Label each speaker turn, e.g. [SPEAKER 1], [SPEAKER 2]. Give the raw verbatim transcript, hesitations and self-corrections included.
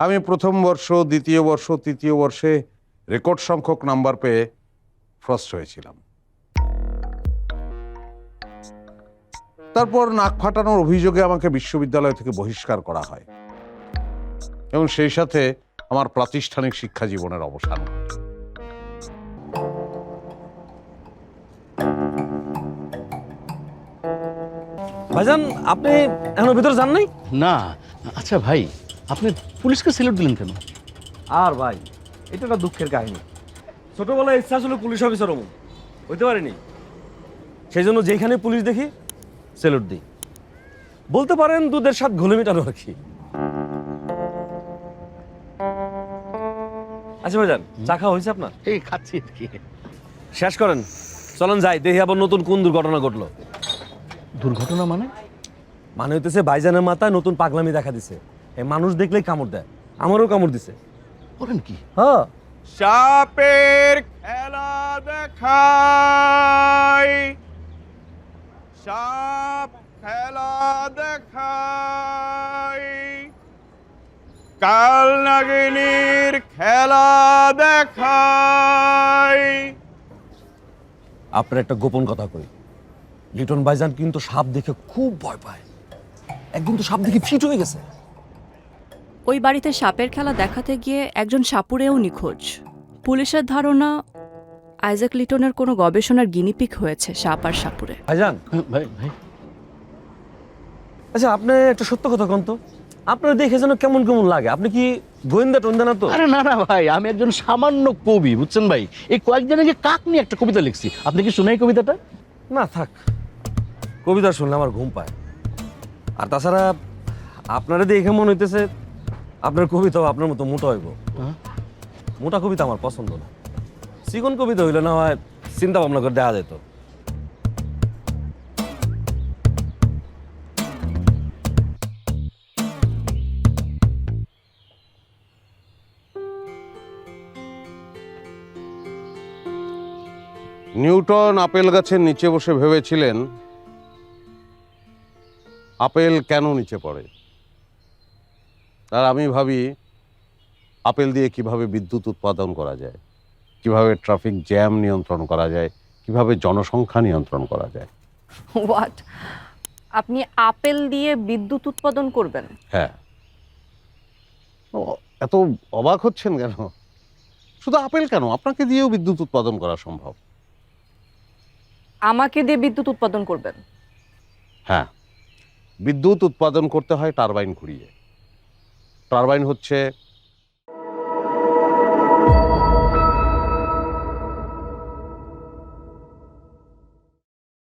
[SPEAKER 1] আমি প্রথম বর্ষ, দ্বিতীয় বর্ষ, তৃতীয় বর্ষে রেকর্ড সংখ্যক নাম্বার পেয়ে ফার্স্ট হয়েছিলাম। তারপর নাক ফাটানোর অভিযোগে আমাকে বিশ্ববিদ্যালয় থেকে বহিষ্কার করা হয় এবং সেই সাথে আমার প্রাতিষ্ঠানিক শিক্ষা জীবনের অবসান ঘটে।
[SPEAKER 2] ভাইজান, আপনি এখনো ভিতরে যান নাই?
[SPEAKER 3] না। আচ্ছা ভাই, আপনি পুলিশকে স্যালুট দিলেন কেন?
[SPEAKER 2] আর ভাই, এটা একটা দুঃখের কাহিনী। ছোটবেলায় ইচ্ছা ছিল পুলিশ অফিসার হবো, হইতে পারিনি। সেই জন্য যেখানে পুলিশ দেখি স্যালুট দিই। বলতে পারেন দুধের স্বাদ ঘোলে মেটানো আর কি। আচ্ছা ভাইজান, চা খাওয়া হয়েছে আপনার?
[SPEAKER 3] এই খাচ্ছি আর কি।
[SPEAKER 2] শেষ করেন, চলেন যাই, দেখি আবার নতুন কোন দুর্ঘটনা ঘটলো।
[SPEAKER 3] দুর্ঘটনা মানে?
[SPEAKER 2] মানে হইতেছে ভাইজানের মাথায় নতুন পাগলামি দেখা দিছে। এই মানুষ দেখলেই কামড় দেয়, আমারও কামড় দিছে।
[SPEAKER 3] বলেন কি?
[SPEAKER 2] হ্যাঁ।
[SPEAKER 4] সাপের খেলা দেখাই, সাপ খেলা দেখাই, কাল নাগিনীর খেলা দেখাই।
[SPEAKER 2] আপনার একটা গোপন কথা কই, লিটন ভাইজান কিন্তু সাপ দেখে খুব ভয় পায়। একদিন তো সাপ দেখে ফিট হয়ে গেছে।
[SPEAKER 5] ওই বাড়িতে সাপের খেলা দেখাতে গিয়ে একজন সাপুড়েও নিখোঁজ। পুলিশের ধারণা আইজাক লিটনের কোনো গবেষণার গিনিপিক হয়েছে সাপ আর সাপুড়ে।
[SPEAKER 2] ভাইজান,
[SPEAKER 3] ভাই ভাই
[SPEAKER 2] আচ্ছা আপনি একটা সত্য কথা কোন তো, আপনার দেখে যেন কেমন কেমন লাগে। আপনি কি গোয়েন্দা টোয়েন্দা না তো?
[SPEAKER 3] আরে না না ভাই, আমি একজন সামান্য কবি, বুঝছেন ভাই। এই কয়েকদিন আগে কাক নিয়ে একটা কবিতা লিখছি। আপনি কি শুনেন কবিতাটা?
[SPEAKER 2] না থাক, কবিতা শুনলে আমার ঘুম পায়। আর তাছাড়া আপনারা দেখে মনে হইতেছে আপনার কবিতাও আপনার মতো মোটা হইব। মোটা কবিতা আমার পছন্দ না। চিকন কবিতা হইলে না হয় চিন্তা ভাবনা করে দেখা যেত।
[SPEAKER 1] নিউটন আপেল গাছের নিচে বসে ভেবেছিলেন আপেল কেন নিচে পড়ে। আর আমি ভাবি আপেল দিয়ে কিভাবে বিদ্যুৎ উৎপাদন করা যায়, কিভাবে ট্রাফিক জ্যাম নিয়ন্ত্রণ করা যায়, কিভাবে জনসংখ্যা নিয়ন্ত্রণ করা যায়।
[SPEAKER 6] হোয়াট? আপনি আপেল দিয়ে বিদ্যুৎ উৎপাদন করবেন?
[SPEAKER 1] হ্যাঁ। ও, এত অবাক হচ্ছেন কেন? শুধু আপেল কেন, আপনাকে দিয়েও বিদ্যুৎ উৎপাদন করা সম্ভব।
[SPEAKER 6] আমাকে দিয়ে বিদ্যুৎ উৎপাদন করবেন?
[SPEAKER 1] হ্যাঁ, বিদ্যুৎ উৎপাদন করতে হয় টারবাইন ঘুরিয়ে। টারবাইন হচ্ছে